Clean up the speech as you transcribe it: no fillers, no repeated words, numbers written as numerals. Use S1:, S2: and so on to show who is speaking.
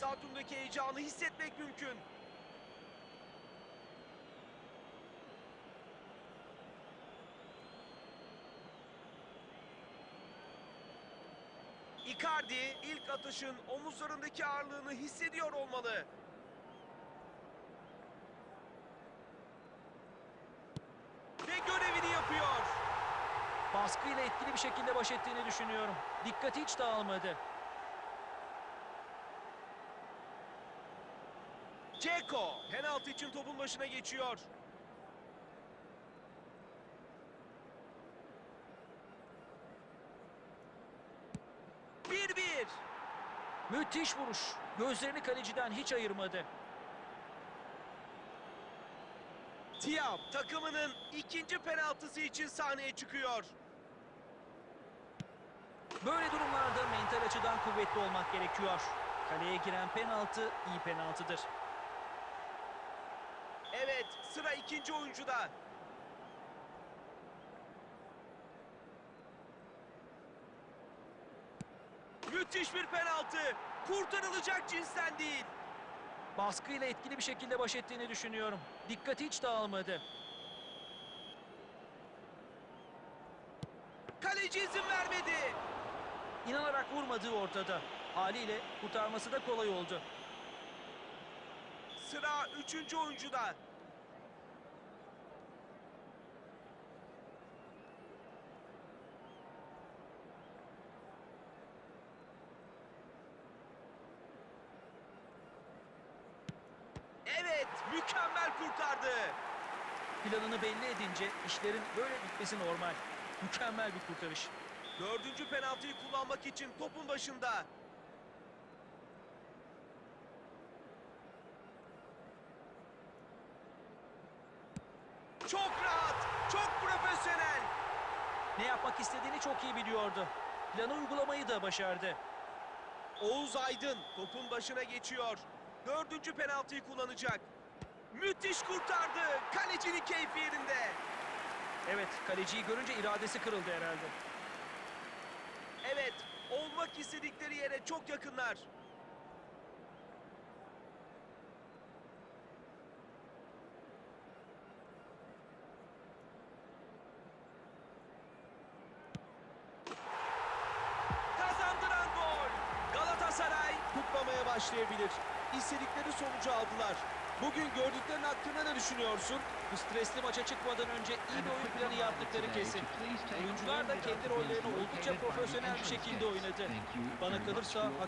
S1: Stadyumdaki heyecanı hissetmek mümkün. Icardi ilk atışın omuzlarındaki ağırlığını hissediyor olmalı. Ve görevini yapıyor.
S2: Baskıyla etkili bir şekilde baş ettiğini düşünüyorum. Dikkati hiç dağılmadı.
S1: Dzeko penaltı için topun başına geçiyor. Bir bir.
S2: Müthiş vuruş. Gözlerini kaleciden hiç ayırmadı.
S1: Thiam takımının ikinci penaltısı için sahneye çıkıyor.
S2: Böyle durumlarda mental açıdan kuvvetli olmak gerekiyor. Kaleye giren penaltı iyi penaltıdır.
S1: Evet, sıra ikinci oyuncuda. Müthiş bir penaltı. Kurtarılacak cinsten değil.
S2: Baskıyla etkili bir şekilde baş ettiğini düşünüyorum. Dikkati hiç dağılmadı.
S1: Kaleci izin vermedi.
S2: İnanarak vurmadığı ortada. Haliyle kurtarması da kolay oldu.
S1: Sıra üçüncü oyuncuda. Evet, mükemmel kurtardı.
S2: Planını belli edince işlerin böyle bitmesi normal. Mükemmel bir kurtarış.
S1: Dördüncü penaltıyı kullanmak için topun başında. Çok rahat, çok profesyonel.
S2: Ne yapmak istediğini çok iyi biliyordu. Planı uygulamayı da başardı.
S1: Oğuz Aydın topun başına geçiyor. Dördüncü penaltıyı kullanacak. Müthiş kurtardı. Kalecinin keyfi yerinde.
S2: Evet, kaleciyi görünce iradesi kırıldı herhalde.
S1: Evet, olmak istedikleri yere çok yakınlar. Kazandıran gol. Galatasaray kutlamaya başlayabilir. İstedikleri sonucu aldılar. Bugün gördüklerin hakkında ne düşünüyorsun?
S2: Bu stresli maça çıkmadan önce iyi bir oyun planı yaptıkları kesin. Oyuncular da kendi rollerini oldukça profesyonel bir şekilde oynadı. Bana kalırsa